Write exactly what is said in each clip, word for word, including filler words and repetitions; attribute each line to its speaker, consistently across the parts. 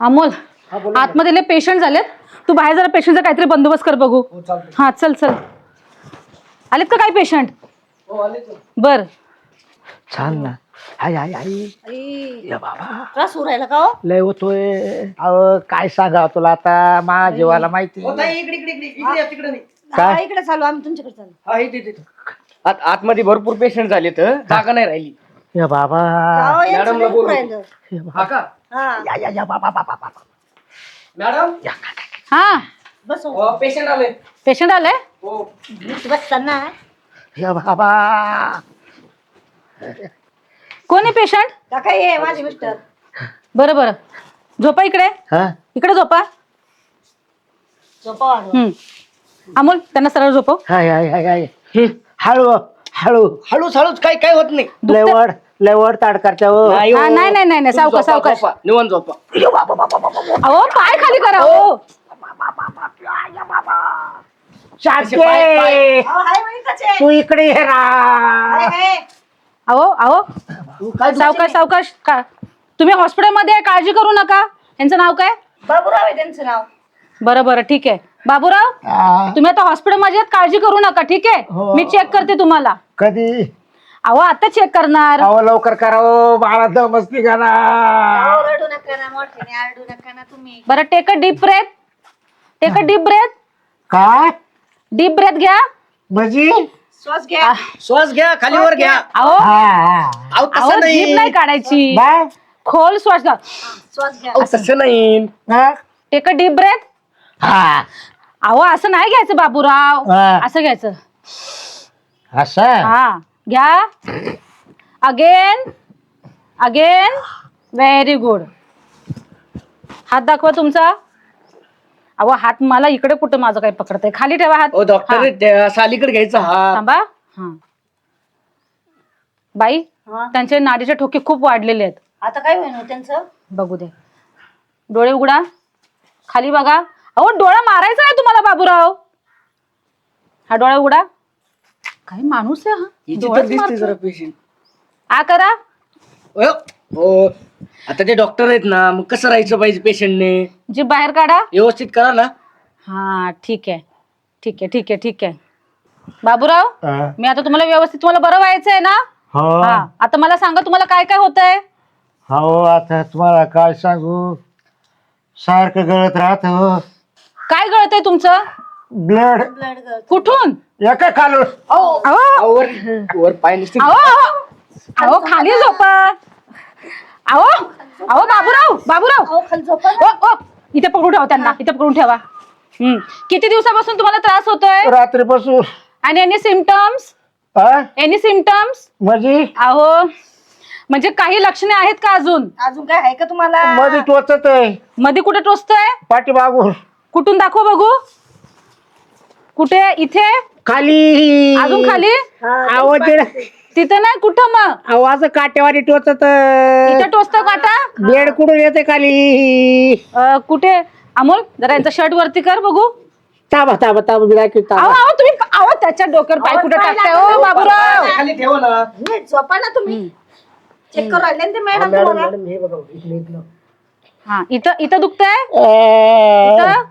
Speaker 1: अमोल आतमध्ये पेशंट झालेत, तू बाहेर जरा पेशंटचा काहीतरी बंदोबस्त कर बघू. हा चल चल. आलेत का काही पेशंट? बर
Speaker 2: छान ना. आई आई आई या बाबा
Speaker 3: त्रास होऊ राहिला का हो?
Speaker 2: लय होतोय. अहो काय सांगा तुला आता, मा जीवाला माहिती.
Speaker 4: इकडे इकडे इकडे इकडे या, तिकडे नाही.
Speaker 2: काय?
Speaker 3: हा, इकडे चालू आम्ही तुमच्याकडे चालू.
Speaker 4: हा इथे इथे. आत आतमध्ये भरपूर पेशंट झाले तर जागा नाही राहिली.
Speaker 2: या बाबा
Speaker 3: अहो, यांचं
Speaker 4: मॅडमला
Speaker 3: लय होऊ
Speaker 4: बोलू.
Speaker 3: राहिलं.
Speaker 4: हा का
Speaker 3: हा
Speaker 2: या या या बाबा बाबा बाबा
Speaker 4: मॅडम?
Speaker 1: हा
Speaker 3: बस हो.
Speaker 4: पेशंट आले.
Speaker 1: पेशंट आले.
Speaker 4: हो
Speaker 3: बसताना
Speaker 2: या बाबा.
Speaker 1: कोण आहे पेशंट?
Speaker 3: काका ये माझे मिस्टर.
Speaker 1: बरं बरं झोपा इकडे,
Speaker 2: हा
Speaker 1: इकडे झोपा.
Speaker 3: झोपा वाढव.
Speaker 1: हम्म अमोल त्यांना सरळ झोपव.
Speaker 2: हाय हाय हाय हाय हळू हळू
Speaker 4: हळूच हळूच काही काय होत नाही.
Speaker 2: लेवड लेवड ताडकारच्या हो.
Speaker 4: नाही हो.
Speaker 1: हा, नाही नाही नाही नाही,
Speaker 4: तुम्ही
Speaker 1: सावकाश
Speaker 4: झोपा,
Speaker 1: सावकाश.
Speaker 4: झोपा. निवांत झोपा.
Speaker 1: अहो पाय खाली करा हो.
Speaker 2: शांती
Speaker 4: पाय- पाय-
Speaker 3: अहो, हाय बाई कसे?
Speaker 2: तू इकडे ये
Speaker 3: हाय,
Speaker 2: रा.
Speaker 3: हाय.
Speaker 1: अहो अहो
Speaker 4: तू काय
Speaker 1: सावकाश सावकाश. का तुम्ही हॉस्पिटलमध्ये आहे, काळजी करू नका. यांचं नाव काय?
Speaker 3: बाबूराव आहे त्यांचं नाव.
Speaker 1: बरं बरं ठीक आहे. बाबूराव
Speaker 2: आ,
Speaker 1: तुम्ही आता हॉस्पिटलमध्ये आहेत, काळजी करू नका. ठीक आहे
Speaker 2: हो.
Speaker 1: मी चेक करते तुम्हाला.
Speaker 2: कधी
Speaker 1: अहो आता चेक करणार.
Speaker 2: अहो लवकर करावं, बाळा दमस्ती करा.
Speaker 3: अहो, रडू नका ना मोठ्याने, आरडू नका ना तुम्ही.
Speaker 1: बरं take a deep breath. Take a deep breath.
Speaker 2: काय
Speaker 1: डीप ब्रेथ घ्या.
Speaker 2: म्हणजे
Speaker 3: श्वास घ्या.
Speaker 4: श्वास घ्या, खालीवर घ्या.
Speaker 1: अहो
Speaker 2: हा हा
Speaker 4: अहो
Speaker 1: अहो
Speaker 4: तसं
Speaker 1: जीभ
Speaker 4: नाही.
Speaker 1: नाही काढायची,
Speaker 2: बाय
Speaker 1: खोल श्वास घ्या.
Speaker 3: श्वास घ्या.
Speaker 4: अहो, तसं नाही.
Speaker 2: हा
Speaker 1: टेक अ डीप ब्रेथ.
Speaker 2: हा
Speaker 1: अहो असं नाही घ्यायचं बाबूराव,
Speaker 2: हा.
Speaker 1: असं घ्यायचं.
Speaker 2: असं
Speaker 1: हा घ्या. Again again. Very good. हात दाखवा तुमचा. अहो हात मला इकडे कुठं माझं काही पकडतंय, खाली ठेवा हात.
Speaker 4: ओ डॉक्टर सालीकडे घ्यायचा हा.
Speaker 1: थांबा. हा बाई
Speaker 3: हा.
Speaker 1: त्यांचे नाडीचे ठोके खूप वाढलेले आहेत.
Speaker 3: आता काय होईल हो त्यांचं?
Speaker 1: बघू दे. डोळे उघडा, खाली बघा. अहो डोळा मारायचा आहे तुम्हाला बाबूराव. हा डोळा उघडा. काय माणूस आहे हा,
Speaker 4: हिची तर
Speaker 1: डोळेच
Speaker 4: दिसते
Speaker 1: मारतोय.
Speaker 4: जरा पेशंट.
Speaker 1: आ करा.
Speaker 4: हो आता ते डॉक्टर आहेत ना, मग कसं राहायचं पाहिजे पेशंटने?
Speaker 1: जी बाहेर काढा.
Speaker 4: व्यवस्थित करा ना.
Speaker 1: हा ठीक आहे ठीक आहे ठीक आहे ठीक आहे. बाबूराव
Speaker 2: हा.
Speaker 1: मी आता तुम्हाला व्यवस्थित, तुम्हाला बरं व्हायचंय ना?
Speaker 2: हो
Speaker 1: हा आता मला सांगा तुम्हाला काय काय होतंय?
Speaker 2: हो आता तुम्हाला काय सांगू, सारखं गळत राहत हो.
Speaker 1: काय गळतंय तुमचं?
Speaker 2: ब्लड
Speaker 3: ब्लड गळत.
Speaker 1: कुठून?
Speaker 2: एका खालून.
Speaker 1: अहो
Speaker 4: अहो, वर वर पाय नसते.
Speaker 1: अहो अहो खाली झोपा. अहो अहो बाबूराव बाबूराव
Speaker 3: अहो, खाली झोपा ना.
Speaker 1: ओ ओ इथे पकडून ठेवा त्यांना, इथे पकडून ठेवा. हम्म किती दिवसापासून तुम्हाला त्रास होतोय?
Speaker 2: रात्रीपासून.
Speaker 1: आणि एनी सिम्पटम्स?
Speaker 2: हा
Speaker 1: एनी सिम्पटम्स?
Speaker 2: म्हणजे
Speaker 1: अहो म्हणजे काही लक्षणे आहेत का अजून?
Speaker 3: अजून काय आहे का तुम्हाला?
Speaker 2: मध्ये टोचत आहे
Speaker 1: मध्ये कुठे टोचतंय?
Speaker 2: पाठीमागून.
Speaker 1: कुठून दाखव बघू. कुठे? इथे?
Speaker 2: खाली.
Speaker 1: अजून खाली?
Speaker 3: हा,
Speaker 2: आवाज
Speaker 1: तिथं नाही, कुठं मग?
Speaker 2: आवाज काटेवारी टोचत.
Speaker 1: इथं टोचतं काटा?
Speaker 2: बेड कुठून येते खाली.
Speaker 1: अं, कुठे? अमोल जरा यांचा शर्ट वरती कर बघू.
Speaker 2: ताबा ताबा ताबा बिला की
Speaker 1: अहो
Speaker 2: ताबा.
Speaker 1: अहो तुम्ही अहो त्याच्या डोक्यावर पाय
Speaker 3: अहो,
Speaker 1: कुठे
Speaker 3: पाय
Speaker 1: टाकताय
Speaker 3: लागला
Speaker 1: ओ
Speaker 3: नाही.
Speaker 1: बाबूराव?
Speaker 4: खाली ठेवा ना.
Speaker 3: नीट झोपा ना तुम्ही. चेक करू राहिले ना ते मॅडम
Speaker 4: मॅडम
Speaker 3: तुम्हाला.
Speaker 4: मॅडम हे बघा इकडे इकडे.
Speaker 1: हा इथं इथं दुखतंय?
Speaker 2: अं,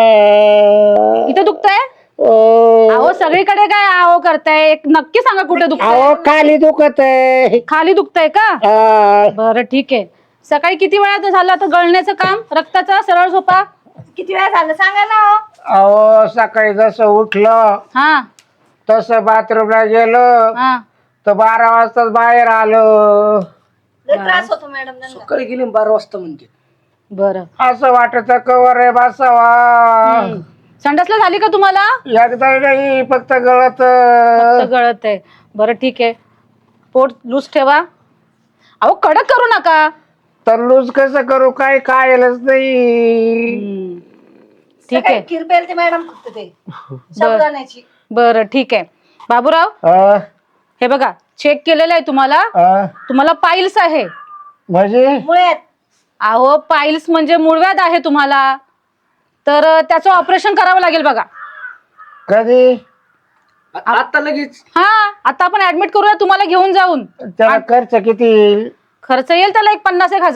Speaker 2: अं,
Speaker 1: इथं दुखतंय?
Speaker 2: अं.
Speaker 1: अहो सगळीकडे काय अहो करताय? एक नक्की सांगा कुठे दुखतंय?
Speaker 2: अहो खाली दुखत आहे.
Speaker 1: खाली दुखतंय का?
Speaker 2: अं,
Speaker 1: बरं ठीक आहे. सकाळी किती वेळा झालं आता गळण्याचं काम रक्ताचा? सरळ झोपा.
Speaker 3: किती वेळा झालं सांगा ना हो.
Speaker 2: अहो सकाळी जसं उठलं
Speaker 1: हा
Speaker 2: तसं बाथरूमला गेलो
Speaker 1: हा
Speaker 2: तर बारा वाजताच बाहेर आलो.
Speaker 3: लय त्रास होतो मॅडम त्यांना.
Speaker 4: सकाळी गेली ना बारा वाजता म्हणते.
Speaker 1: बरं.
Speaker 2: असं वाटत कवर आहे बसावा.
Speaker 1: हम्म. संडासला झाली का तुम्हाला?
Speaker 2: एकदा नाही फक्त गळत.
Speaker 1: फक्त गळत आहे. बरं ठीक आहे. पोट लूज ठेवा. अहो कडक करू नका.
Speaker 2: तर लूज कसं करू, काय कायलच नाही.
Speaker 1: हम्म. ठीक
Speaker 3: सकाळी
Speaker 1: आहे.
Speaker 3: किरपेल ते मॅडम फक्त ते साबुदाण्याची.
Speaker 1: बरं ठीक आहे. बाबूराव
Speaker 2: अं,
Speaker 1: हे बघा चेक केलेलं आहे तुम्हाला.
Speaker 2: अं,
Speaker 1: तुम्हाला पाईल्स आहे.
Speaker 2: म्हणजे
Speaker 3: मुळ्यात.
Speaker 1: अहो पाईल्स म्हणजे मूळव्याध आहे तुम्हाला, तर अं, त्याचं ऑपरेशन करावं लागेल बघा.
Speaker 2: कधी?
Speaker 4: आ- आता लगेच.
Speaker 1: हा आता आपण ऍडमिट करूया तुम्हाला घेऊन जाऊन.
Speaker 2: त्याला खर्च किती?
Speaker 1: खर्च येईल त्याला एक पन्नास एक हजार.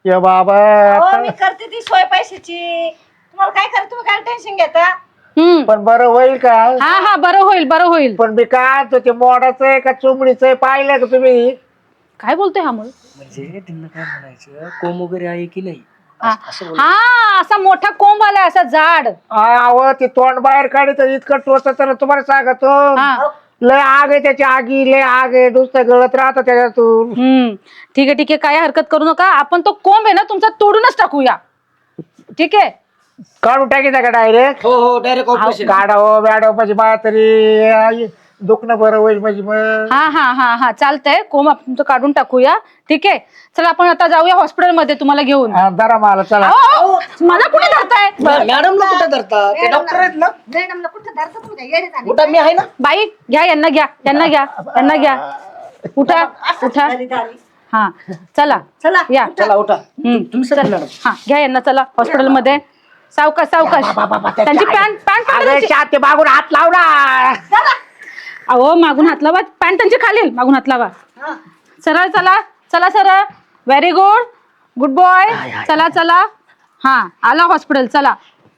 Speaker 2: ये बाबा
Speaker 3: हो
Speaker 2: आता-
Speaker 3: मी करते ती सोय पैशाची. तुम्हाला काय करत तुम्ही काय टेन्शन घेता?
Speaker 1: हम्म
Speaker 2: पण बरं होईल का?
Speaker 1: हा हा बरं होईल बरं होईल.
Speaker 2: पण मी काय तो ते मोडाचं आहे का चुमडीचं आहे पाहिलं का तुम्ही?
Speaker 1: काय बोलतोय हा मुल?
Speaker 4: म्हणजे त्यांना काय म्हणायचं कोंब वगैरे आहे की नाही
Speaker 1: हा
Speaker 4: असं बोल.
Speaker 1: हा, असा मोठा कोंब आलाय असा जाड.
Speaker 2: अहो ते तोंड बाहेर काढत इतकं टोचत ना तुम्हाला सांगतो.
Speaker 1: हा
Speaker 2: लय आग आहे त्याची आगी लय आग आहे नुसतं गळत राहतं त्याच्यातून.
Speaker 1: हम्म ठीक आहे ठीक आहे काय हरकत करू नका. आपण तो कोंब आहे ना तुमचा तोडूनच टाकूया. ठीक आहे.
Speaker 2: काढून टाकीचा का डायरेक्ट?
Speaker 4: हो हो डायरेक्ट ऑपरेशन.
Speaker 2: काढावं मॅडम म्हणजे मला तरी आई, दुखणं बरं होईल म्हणजे मग.
Speaker 1: हा हा हा हा चालतंय. कोंब आपण तुमचं काढून टाकूया. ठीक आहे. चला आपण आता जाऊया हॉस्पिटलमध्ये तुम्हाला घेऊन.
Speaker 2: हा, धरा मला चला.
Speaker 1: अहो, अहो, मला कुठे धरताय?
Speaker 4: मॅडमला कुठं धरता ते डॉक्टर आहेत ना.
Speaker 3: मॅडमला कुठं धरता तुम्ही? काय येडे झाले?
Speaker 4: कुठं मी आहे ना.
Speaker 1: बाई घ्या यांना घ्या यांना घ्या यांना घ्या. उठा उठा.
Speaker 3: झाली, झाली.
Speaker 1: हा चला
Speaker 3: चला
Speaker 1: या.
Speaker 4: चला उठा.
Speaker 1: हम्म.
Speaker 4: तुम्ही चला मॅडम.
Speaker 1: हा घ्या यांना चला हॉस्पिटलमध्ये. सावकाश सावकाश. त्यांची पॅन्ट पॅन्ट
Speaker 2: अगं,
Speaker 1: पॅन्ट
Speaker 2: शाते मागून हात लावला.
Speaker 1: अहो मागून हात लावा. पॅन्ट त्यांची खालील मागून हात लावा.
Speaker 3: हा.
Speaker 1: सरळ चला चला सरळ. Very good good boy. चला चला. हा आला हॉस्पिटल. चला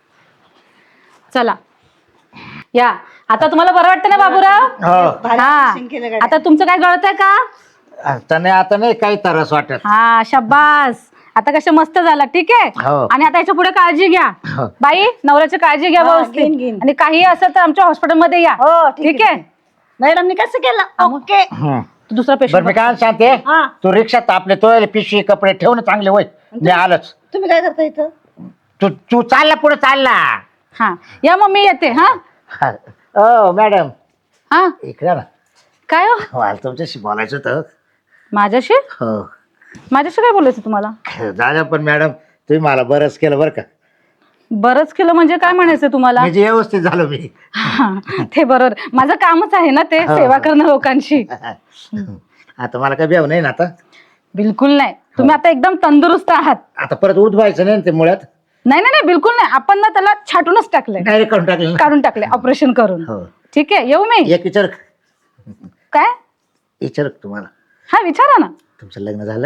Speaker 1: चला या. आता तुम्हाला बरं वाटतं ना बाबूराव?
Speaker 2: हो
Speaker 3: भारी
Speaker 1: हा
Speaker 3: operation केलं गड्या.
Speaker 1: आता तुमचं काय गळतंय का?
Speaker 2: आता नाही आता नाही काही तरस वाटत.
Speaker 1: हा शाबास. आता कसं मस्त झाला. ठीक आहे.
Speaker 2: हो.
Speaker 1: आणि आता याच्या पुढे काळजी घ्या.
Speaker 2: हो.
Speaker 1: बाई नवऱ्याची काळजी घ्या
Speaker 3: हा, घेईन,
Speaker 1: व्यवस्थित.
Speaker 3: घेईन.
Speaker 1: आणि काही असं तर आमच्या हॉस्पिटलमध्ये या.
Speaker 3: हो
Speaker 1: ठीक आहे.
Speaker 3: मॅडमनी कसं केलं? ओके.
Speaker 2: हं.
Speaker 1: दुसरा
Speaker 2: बरं मी
Speaker 1: पेशंट.
Speaker 2: काय सांगते
Speaker 3: हा.
Speaker 2: तू रिक्षात आपले तो पिशवी कपडे ठेव ना चांगले होय. मी आलोच.
Speaker 3: तुम्ही काय करता इथं?
Speaker 2: तू तू चालला पुढे चालला.
Speaker 1: हा या मग मी येते. हा
Speaker 2: हा. ओ मॅडम
Speaker 1: हा
Speaker 2: इकडे ना.
Speaker 1: काय हो
Speaker 2: मला तुमच्याशी बोलायचं होतं.
Speaker 1: माझ्याशी
Speaker 2: हो
Speaker 1: माझ्याशी काय बोलायचं तुम्हाला?
Speaker 2: दादा पण मॅडम तुम्ही मला बरंच केलं बरं का.
Speaker 1: बरंच केलं म्हणजे काय म्हणायचं तुम्हाला?
Speaker 2: म्हणजे व्यवस्थित झालो मी.
Speaker 1: हा, ते बरोबर. माझं कामच आहे ना ते
Speaker 2: हो.
Speaker 1: सेवा करणं लोकांची.
Speaker 2: आता मला काय बेव नाही ना आता.
Speaker 1: बिलकुल नाही. तुम्ही आता एकदम तंदुरुस्त आहात.
Speaker 2: आता परत उठवायचं नाही ना ते मुळात.
Speaker 1: नाही नाही नाही बिलकुल नाही. आपण ना त्याला छाटूनच टाकलंय.
Speaker 2: डायरेक्ट काढून टाकलं ना.
Speaker 1: काढून टाकले ऑपरेशन करून.
Speaker 2: हो
Speaker 1: ठीक आहे येऊ मी.
Speaker 2: एक विचार
Speaker 1: काय?
Speaker 2: विचार तुम्हाला
Speaker 1: हा विचारा ना.
Speaker 2: तुमचं लग्न झालं?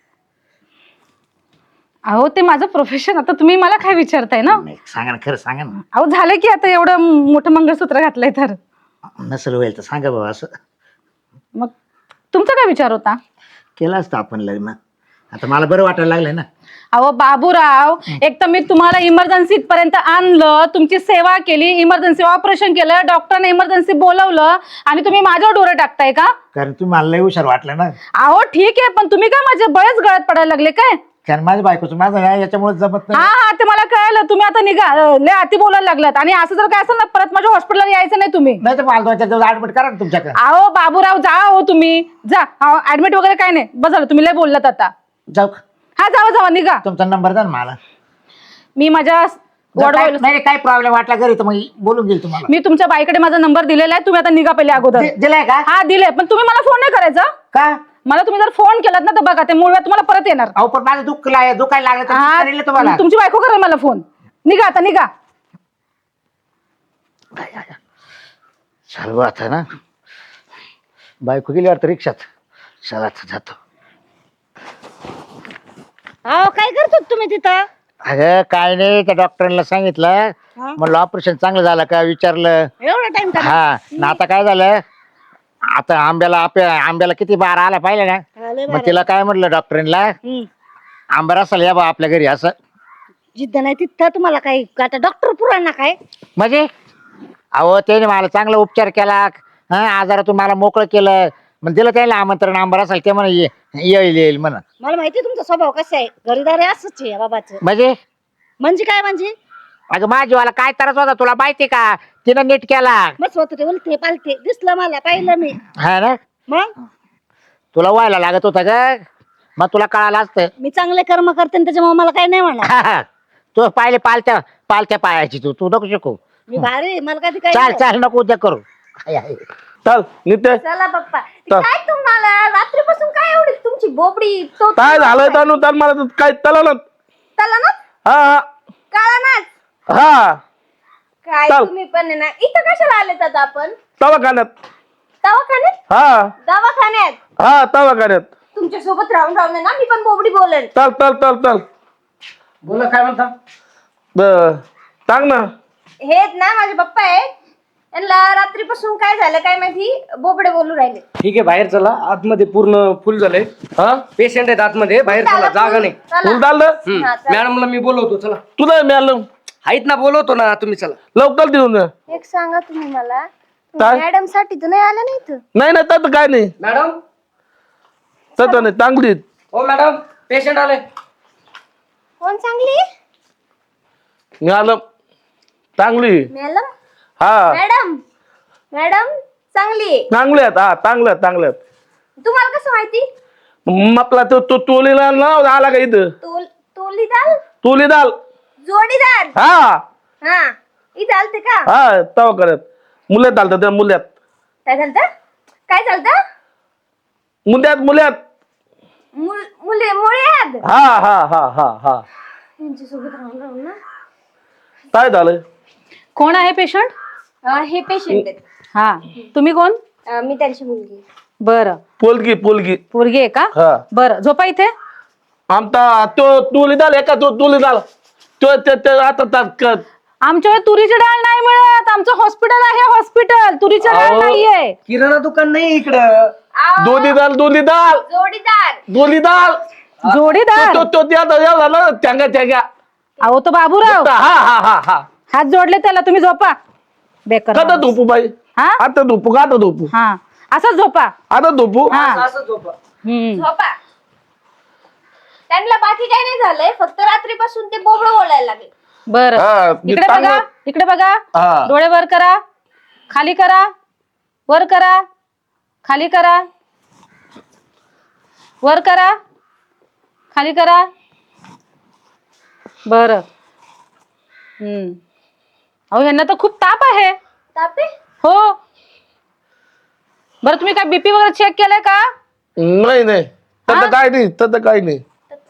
Speaker 1: अहो ते माझं प्रोफेशन. आता तुम्ही मला काय विचारताय ना?
Speaker 2: नाही सांगा ना खरं सांगा ना.
Speaker 1: अहो झालं की आता एवढं मोठं मंगळसूत्र घातलंय तर.
Speaker 2: नसेल होईल तर सांगा बाबा असं.
Speaker 1: मग तुमचा काय विचार होता?
Speaker 2: केलं असतं आपण लग्न. आता मला बरं वाटायला लागलंय ना.
Speaker 1: अहो बाबूराव एक तर मी तुम्हाला इमर्जन्सी पर्यंत आणलं. तुमची सेवा केली. इमर्जन्सी ऑपरेशन केलं. डॉक्टरने इमर्जन्सी बोलवलं आणि तुम्ही माझ्यावर डोळे टाकताय का?
Speaker 2: कारण तुम्ही मला लय हुशार वाटलं ना.
Speaker 1: अहो ठीक आहे पण तुम्ही काय माझे बळेच गळत पडायला लागले काय?
Speaker 2: कारण माझ्या बायकोचं माझं नाही याच्यामुळे जमत
Speaker 1: हा
Speaker 2: नाही.
Speaker 1: हा ते मला कळलं. तुम्ही आता निघा. अं, लय अति बोलायला लागलात. आणि असं जर काय असेल ना परत माझ्या हॉस्पिटलला यायचं नाही तुम्ही.
Speaker 2: नाही तर मला दोन चार दिवस ऍडमिट करा ना तुमच्याकडे.
Speaker 1: अहो बाबूराव जा हो तुम्ही जा. ऍडमिट वगैरे काय नाही. बस झालं तुम्ही लय बोललात आता.
Speaker 2: जाऊ का?
Speaker 1: हा जावा जावा निघा.
Speaker 2: तुमचा नंबर द्या ना मला.
Speaker 1: मी माझ्या
Speaker 2: जर
Speaker 1: वॉर्ड
Speaker 2: काय- नाही काही प्रॉब्लेम वाटला घरी तर मग बोलून घेईल तुम्हाला.
Speaker 1: मी तुमच्या बाईकडे माझा नंबर दिलेला आहे. तुम्ही आता निघा पहिले अगोदर.
Speaker 2: दि- दिलाय का?
Speaker 1: हा दिले पण तुम्ही मला फोन नाही करायचा.
Speaker 2: का?
Speaker 1: मला तुम्ही जर फोन केलात ना तर बघा ते मूळ वेळ तुम्हाला परत येणार.
Speaker 2: अहो पण माझं दुःख लाग- दुखायला लागलं तर मी
Speaker 1: हा,
Speaker 2: करेल तुम्हाला.
Speaker 1: तुमची बायको करेल मला फोन. निघा आता निघा.
Speaker 2: चालू आता ना बायको गेली वाटतं रिक्षात. चला आता जातो.
Speaker 3: अहो काय करतो तुम्ही तिथं?
Speaker 2: अगं काय नाही त्या डॉक्टरांना सांगितलं.
Speaker 3: हा?
Speaker 2: म्हणलं ऑपरेशन चांगलं झालं का विचारलं.
Speaker 3: एवढा टाइम का?
Speaker 2: हा ना आता काय झालं आता आंब्याला आपल्या आंब्याला किती बार आला पाहिजे ना.
Speaker 3: आले
Speaker 2: मग
Speaker 3: बरं.
Speaker 2: तिला काय म्हटलं डॉक्टरांना
Speaker 3: हम्म.
Speaker 2: आंबा असेल या बा आपल्या घरी असं.
Speaker 3: जिद्द नाही तिथं तुम्हाला काही आता डॉक्टर पुराणा काय?
Speaker 2: म्हणजे अहो त्याने मला चांगला उपचार केला. हा आजारातून मला मोकळं केलं. मग दिलं त्याला आमंत्रण आंबा असेल ते म्हणा ये- येईल येईल म्हणा.
Speaker 3: मला माहिती तुमचा स्वभाव कसा आहे. घरीदारी असंच आहे बाबाचं.
Speaker 2: म्हणजे
Speaker 3: म्हणजे काय म्हणजे?
Speaker 2: अगं माझीवाला काय त्रास होता तुला माहिती का? तिनं नीट केला.
Speaker 3: मग स्वतः उलते पालते दिसलं मला पाहिलं मी.
Speaker 2: हा ना
Speaker 3: मग
Speaker 2: तुला व्हायला लागत होता का? मग तुला कळालं असतं.
Speaker 3: मी चांगले कर्म करते आणि त्याच्यामुळे मला काही नाही म्हणणार.
Speaker 2: हा, हा. तू पाहिले पालत्या पालत्या पायाची तू तू नको शिकू.
Speaker 3: मी भारी आहे, मला कधी काय
Speaker 2: चाल चाल नको उद्या करू. हाय, हाय.
Speaker 5: चल नित्य
Speaker 3: चला पप्पा.
Speaker 5: चल.
Speaker 3: काय तुम्हाला रात्रीपासून काय एवढी तुमची बोबडी तो
Speaker 5: काय झालंय तनु तर मला तर काय तला ना
Speaker 3: चला ना
Speaker 5: हा हा
Speaker 3: काळा नाच.
Speaker 5: हा
Speaker 3: काय
Speaker 5: चल.
Speaker 3: तुम्ही पण आहे ना इथं कशाला आलेत आता आपण?
Speaker 5: दवाखान्यात
Speaker 3: दवाखान्यात?
Speaker 5: हा
Speaker 3: दवाखान्यात
Speaker 5: हा दवाखान्यात
Speaker 3: तुमचं तुमच्या सोबत राहून राहून आहे ना मी पण बोबडी बोलेन.
Speaker 5: चल चल चल चल
Speaker 4: बोला काय म्हणता.
Speaker 5: ब- सांग ना.
Speaker 3: हे आहेत ना माझे पप्पा आहेत. यांना रात्रीपासून काय झालं काय माहिती बोबडे बोलू राहिले.
Speaker 4: ठीक आहे बाहेर चला, आतमध्ये पूर्ण फुल झालंय.
Speaker 5: हा
Speaker 4: पेशंट आहेत आतमध्ये, बाहेर चला, जागा नाही.
Speaker 3: चला.
Speaker 5: फुल झालं
Speaker 4: हम्म.
Speaker 3: हा, चला.
Speaker 4: मॅडमला मी बोलवतो, चला.
Speaker 5: तुला मिळालं
Speaker 4: आहेत ना, बोलवतो ना, तुम्ही चला.
Speaker 5: लवकर देऊन जा.
Speaker 3: एक सांगा तुम्ही मला
Speaker 5: काय?
Speaker 3: मॅडम साठी तर नाही आलं नाही इथं.
Speaker 5: नाही नाही तसं काय नाही,
Speaker 4: मॅडम
Speaker 5: तसं नाही, चांगली आहेत.
Speaker 4: हो मॅडम, पेशंट आले.
Speaker 3: कोण चांगली
Speaker 5: मिळालं चांगली.
Speaker 3: मॅडम
Speaker 5: हा
Speaker 3: मॅडम मॅडम चांगली.
Speaker 5: चांगले आहेत. हा चांगले आहेत चांगले आहेत.
Speaker 3: तुम्हाला कसं माहिती.
Speaker 5: मग आपला तो तो तोलीला नाव आला का इथं.
Speaker 3: तोल तोलीदार
Speaker 5: तोलीदाल.
Speaker 3: जोडीदार.
Speaker 5: हा
Speaker 3: हा इथं आलते का.
Speaker 5: हा तवा करत मुल्यात आलत त्या मुल्यात
Speaker 3: काय झालं काय झालं
Speaker 5: मुल्यात मुल्यात.
Speaker 3: मुल मुले मुळे आहेत.
Speaker 5: हा हा हा हा हा
Speaker 3: यांच्या सोबत राहून राहून ना.
Speaker 5: काय झालं.
Speaker 1: कोण आहे पेशंट?
Speaker 3: अं, हे पेशंट आहेत.
Speaker 1: हा तुम्ही कोण?
Speaker 3: अं, मी त्यांची मुलगी.
Speaker 1: बरं
Speaker 5: पोलगी पोलगी.
Speaker 1: पोरगी आहे का?
Speaker 5: हा
Speaker 1: बरं झोपा इथे.
Speaker 5: आमचा तो तुलीदाल एका तो तुलीदाल तो ते- ते आता ता- क-
Speaker 1: आमच्याकडे तुरीची डाळ नाही मिळत. आमचं हॉस्पिटल आहे हॉस्पिटल. तुरीची डाळ
Speaker 5: अहो.
Speaker 1: नाहीये.
Speaker 4: किराणा दुकान नाही इकडं.
Speaker 3: अं,
Speaker 5: दोलीदाल दोलीदाल
Speaker 3: जोडीदार.
Speaker 5: दोलीदाल.
Speaker 1: जोडीदार.
Speaker 5: तो तो त्या झाला त्यांगा त्यांगा.
Speaker 1: अहो तो बाबूराव.
Speaker 5: हा हा हा हा
Speaker 1: हात जोडले त्याला. तुम्ही झोपा. बेकार
Speaker 5: आता
Speaker 1: माणूस.
Speaker 5: धोपू बाई.
Speaker 1: हा
Speaker 5: आता धोपू का आता धोपू
Speaker 1: हा असंच झोपा.
Speaker 5: आता धोपू.
Speaker 1: हा
Speaker 4: असं झोपा.
Speaker 1: हम्म.
Speaker 3: झोपा. त्यांना बाकी काही नाही झालंय, फक्त रात्रीपासून ते बोबडं बोलायला लागले.
Speaker 1: बर
Speaker 5: हा, मी
Speaker 1: इकडे
Speaker 5: चांगलं-
Speaker 1: बघा इकडे बघा.
Speaker 5: हा.
Speaker 1: डोळे वर करा. खाली करा. वर करा. खाली करा. वर करा. खाली करा. बर हम्म अहो ह्यांना तर खूप ताप आहे.
Speaker 3: तापे
Speaker 1: हो. बरं तुम्ही काय बीपी वगैरे चेक केलंय का?
Speaker 5: नाही नाही
Speaker 1: हा?
Speaker 5: तसं काय नाही तसं काय नाही.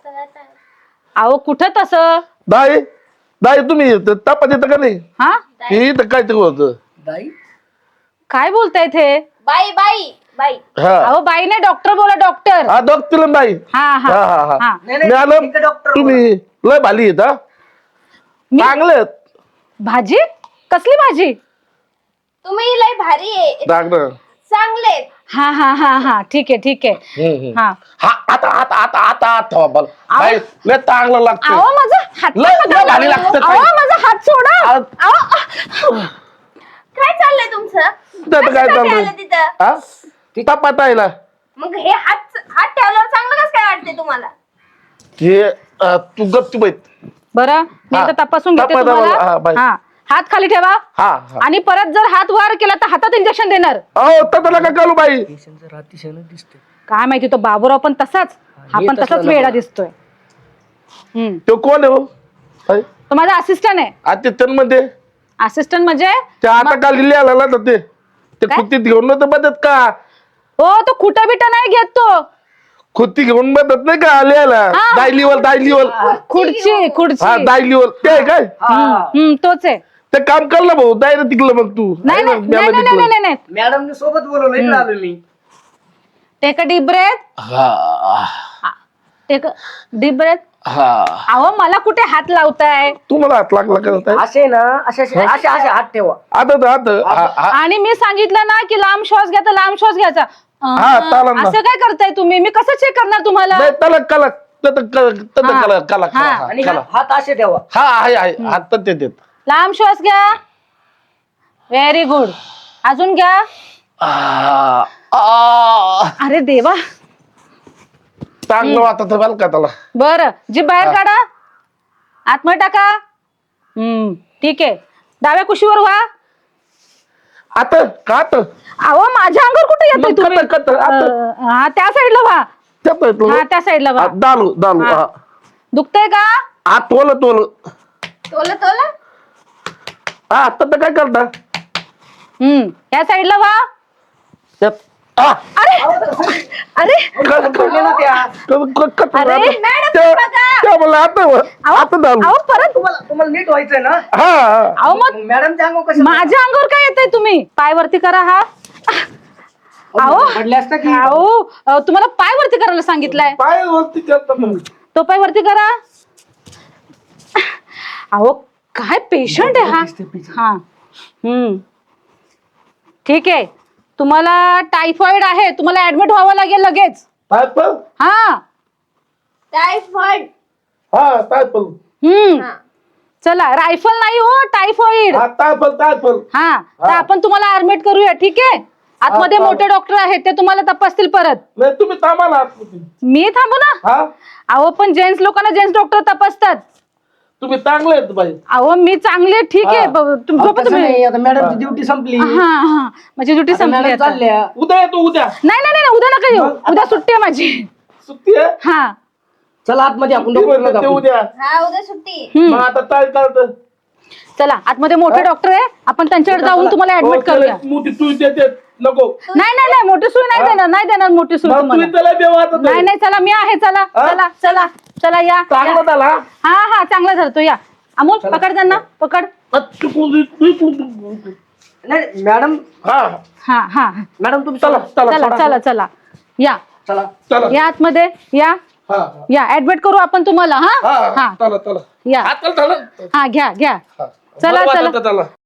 Speaker 1: अहो कुठं तसं.
Speaker 5: दाई दाई तुम्ही तपास येतं का नाही.
Speaker 1: हा
Speaker 5: हे तर काय ते होत.
Speaker 4: बाई
Speaker 1: काय बोलताय ते.
Speaker 3: बाई बाई बाई.
Speaker 5: हा
Speaker 1: अहो बाई नाही डॉक्टर बोला डॉक्टर.
Speaker 5: हा डॉक्टर बाई.
Speaker 1: हा
Speaker 5: हा
Speaker 1: हा
Speaker 5: हा हा
Speaker 1: हा
Speaker 4: नाही, नाही,
Speaker 5: मॅडम
Speaker 4: इथं डॉक्टर
Speaker 5: तुम्ही लय भाली येत हा.
Speaker 1: मी-
Speaker 5: चांगले आहेत.
Speaker 1: भाजी कसली भाजी.
Speaker 3: तुम्ही लय भारी आहे.
Speaker 5: डॉक्टर
Speaker 3: चांगले.
Speaker 1: हा हा हा हा ठीक आहे ठीक आहे.
Speaker 5: हम्म, हम्म.
Speaker 1: हा
Speaker 5: हा आता आता आता आता आता बल बाई लय चांगलं लागतं.
Speaker 1: अहो माझा हात
Speaker 5: लय लय भारी लागतं
Speaker 1: अहो
Speaker 5: ताई.
Speaker 1: माझा हात सोडा.
Speaker 5: अहो.
Speaker 1: अहो.
Speaker 3: काय चाललंय तुमचं.
Speaker 5: त्याचं काय
Speaker 3: कशासाठी
Speaker 5: चाललंय
Speaker 3: आलं तिथं.
Speaker 5: हा तपास आहे ना.
Speaker 3: मग हे हात हात ठेवल्यावर चांगलं कसं काय वाटतंय तुम्हाला.
Speaker 5: हे अं, तू गप्प बैठ.
Speaker 1: बरं मी
Speaker 5: हा.
Speaker 1: एकदा तपासून घेते
Speaker 5: तपासा मला. हा,
Speaker 1: तुम्हाला.
Speaker 5: बाई.
Speaker 1: हा हात खाली ठेवा.
Speaker 5: हा हा
Speaker 1: आणि परत जर हात वर केला तर हातात इंजेक्शन देणार.
Speaker 5: अहो तसं नका करू बाई.
Speaker 4: पेशंटचं अतिशय दिसते.
Speaker 1: काय माहिती तो बाबूराव पण तसाच. हा
Speaker 4: हे
Speaker 1: पण
Speaker 4: तसला
Speaker 1: तसाच
Speaker 4: नको.
Speaker 1: वेडा दिसतोय. हम्म
Speaker 5: तो कोण आहे हो. बाई,
Speaker 1: तो माझा असिस्टंट आहे.
Speaker 5: असिस्टंट मध्ये
Speaker 1: असिस्टंट म्हणजे
Speaker 5: ते आता काल लिहिले आला ना तर ते ते
Speaker 1: काय?
Speaker 5: खुर्तीत घेऊन नव्हतं बदत का.
Speaker 1: हो तो खुटा बिटा नाही घेत तो.
Speaker 5: खुर्ती घेऊन बदत नाही का लिहायला.
Speaker 1: हा.
Speaker 5: दायलीवर दायलीवर
Speaker 1: खुर्ची खुर्ची.
Speaker 5: हा दायलीवर ते आहे काय
Speaker 1: हम्म, हम्म, तोच आहे.
Speaker 5: ते काम कर ना भाऊ दायला तिकलं मग तू
Speaker 1: नाही
Speaker 5: आहे ना,
Speaker 1: नाही
Speaker 5: म्याला
Speaker 1: नाही नाही
Speaker 5: तिकलं.
Speaker 1: नाही नाही
Speaker 4: मॅडमने सोबत बोलवलं, इकडे आलो मी.
Speaker 1: Take a deep breath.
Speaker 5: हा
Speaker 1: टेक डीप ब्रेथ.
Speaker 5: हा
Speaker 1: अहो मला कुठे हात लावताय.
Speaker 5: तुम्हाला हात लागला करत आहे
Speaker 4: असे ना असे असे असे असे हात ठेवा.
Speaker 5: आता तर आता हा- हा-
Speaker 1: आणि मी सांगितलं ना की लांब श्वास घ्या तर लांब श्वास घ्यायचा. अं,
Speaker 5: हा, चालेल ना.
Speaker 1: असं काय करताय तुम्ही. मी कसं चेक करणार तुम्हाला.
Speaker 5: नाही, त्याला कला त्याला कला त्याला
Speaker 1: हा.
Speaker 5: कला कला
Speaker 1: हा.
Speaker 5: कला
Speaker 4: आणि
Speaker 5: कला.
Speaker 4: हात हात असे ठेवा.
Speaker 5: हा आहे आहे हात ते देत.
Speaker 1: लांब श्वास घ्या. Very good. अजून घ्या.
Speaker 5: आ, आ,
Speaker 1: अरे देवा.
Speaker 5: चांगलं वाटत बरं का त्याला.
Speaker 1: बरं जीभ बाहेर काढा. आतमध्ये टाका. हम्म ठीक आहे. डाव्या कुशीवर व्हा.
Speaker 5: आता का आता
Speaker 1: अहो माझ्या अंगावर कुठे येतोय
Speaker 5: मग
Speaker 1: तुम्ही.
Speaker 5: कत- कत- आता.
Speaker 1: अं, हा त्या साईडला व्हा.
Speaker 5: त्यात येतो.
Speaker 1: हा त्या साईडला व्हा.
Speaker 5: हा, दालू दालू
Speaker 1: हा.
Speaker 5: हा
Speaker 1: दुखतंय का.
Speaker 5: हा तोल तोल
Speaker 3: तोला तोला.
Speaker 5: हा आता तर काय करता
Speaker 1: हम्म या साईडला व्हा.
Speaker 5: त्यात आ,
Speaker 1: अरे अरे
Speaker 5: क- क-
Speaker 4: बोलले ना त्या.
Speaker 5: क- क- क-
Speaker 1: अरे,
Speaker 5: आता-
Speaker 3: मॅडम,
Speaker 5: त्या-
Speaker 3: बघा.
Speaker 5: त्या मला आता
Speaker 1: अहो
Speaker 5: आता दालू
Speaker 1: अहो परत.
Speaker 4: तुम्हाला तुम्हाला नीट व्हायचंय ना.
Speaker 5: हा हा.
Speaker 1: अहो मग
Speaker 4: मॅडम सांगू कसं.
Speaker 1: माझ्या अंगावर काय येतंय तुम्ही. पाय वरती करा. हा अहो
Speaker 4: पडले असता की
Speaker 1: अहो अहो, तुम्हाला पाय वरती करायला सांगितलंय.
Speaker 5: पाय वरती करतात
Speaker 1: तो पाय वरती करा. अहो काय पेशंट आहे हा. हा हम्म ठीक आहे. तुम्हाला टायफॉइड आहे, तुम्हाला ऍडमिट व्हावं लागेल लगेच.
Speaker 5: टायफल
Speaker 1: हा
Speaker 3: टायफॉइड.
Speaker 5: हा टायफल
Speaker 1: हम्म
Speaker 3: हा.
Speaker 1: चला रायफल नाही हो, टायफॉइड.
Speaker 5: हा टायफल टायफल
Speaker 1: हा तर आपण तुम्हाला ऍडमिट करूया. ठीक आहे. आतमध्ये
Speaker 5: हा,
Speaker 1: मोठे डॉक्टर आहेत, ते तुम्हाला तपासतील परत.
Speaker 5: नाही तुम्ही थांबा ना आतमध्ये.
Speaker 1: मी थांबू ना.
Speaker 5: हा
Speaker 1: अहो पण जेंट्स लोकांना जेंट्स डॉक्टर तपासतात.
Speaker 5: तुम्ही चांगले आहेत बाई.
Speaker 1: अहो मी चांगले ठीक आहे.
Speaker 5: हा.
Speaker 1: ब- तुम- झोपा
Speaker 4: तसं
Speaker 1: तुम्ही.
Speaker 4: नाही, आता मॅडमची ड्युटी संपली.
Speaker 1: हा हा माझी ड्युटी
Speaker 4: आता
Speaker 1: संपली
Speaker 4: मॅडम
Speaker 1: आता.
Speaker 4: चालल्या.
Speaker 5: उद्या येतो उद्या.
Speaker 1: नाही नाही नाही उद्या नका येऊ.
Speaker 5: मग?
Speaker 1: उद्या सुट्टी आहे माझी.
Speaker 5: सुट्टी आहे
Speaker 1: हा
Speaker 4: चला आतमध्ये आपण
Speaker 5: ते म्हणतात
Speaker 4: डॉक्टरला
Speaker 5: ते
Speaker 4: दाखवू.
Speaker 5: उद्या.
Speaker 3: हा उद्या सुट्टी.
Speaker 1: हम्म.
Speaker 5: मग आता काय करत
Speaker 1: चला आतमध्ये मोठे डॉक्टर आहे, आपण त्यांच्याकडे जाऊन तुम्हाला
Speaker 5: हो,
Speaker 1: ऍडमिट करूया.
Speaker 5: मोठी तू देते नको.
Speaker 1: नाही नाही नाही मोठी सुई नाही देणार, नाही देणार मोठी सुई
Speaker 5: मग
Speaker 1: तुम्हाला.
Speaker 5: तुम्ही त्याला बेवात
Speaker 1: नाही नाही चला मी आहे. चला
Speaker 5: हा?
Speaker 1: चला चला चला या
Speaker 5: चांगला
Speaker 1: या.
Speaker 5: झाला.
Speaker 1: हा हा चांगला धरतो या. अमोल पकड त्यांना पकड.
Speaker 4: नाही मॅडम
Speaker 5: हा
Speaker 1: हा हा
Speaker 4: मॅडम तुम्ही
Speaker 5: चला
Speaker 4: चला
Speaker 5: चला
Speaker 1: चला चला चला या
Speaker 4: चला
Speaker 5: चला
Speaker 1: या आतमध्ये या
Speaker 5: हा हा.
Speaker 1: या ऍडमिट करू आपण तुम्हाला. हा
Speaker 5: हा
Speaker 1: हा
Speaker 5: चला चला
Speaker 1: या
Speaker 5: हा चल चला
Speaker 1: हा घ्या घ्या.
Speaker 5: हा.
Speaker 1: चला
Speaker 5: बरं
Speaker 1: चला
Speaker 5: वाटतं त्याला.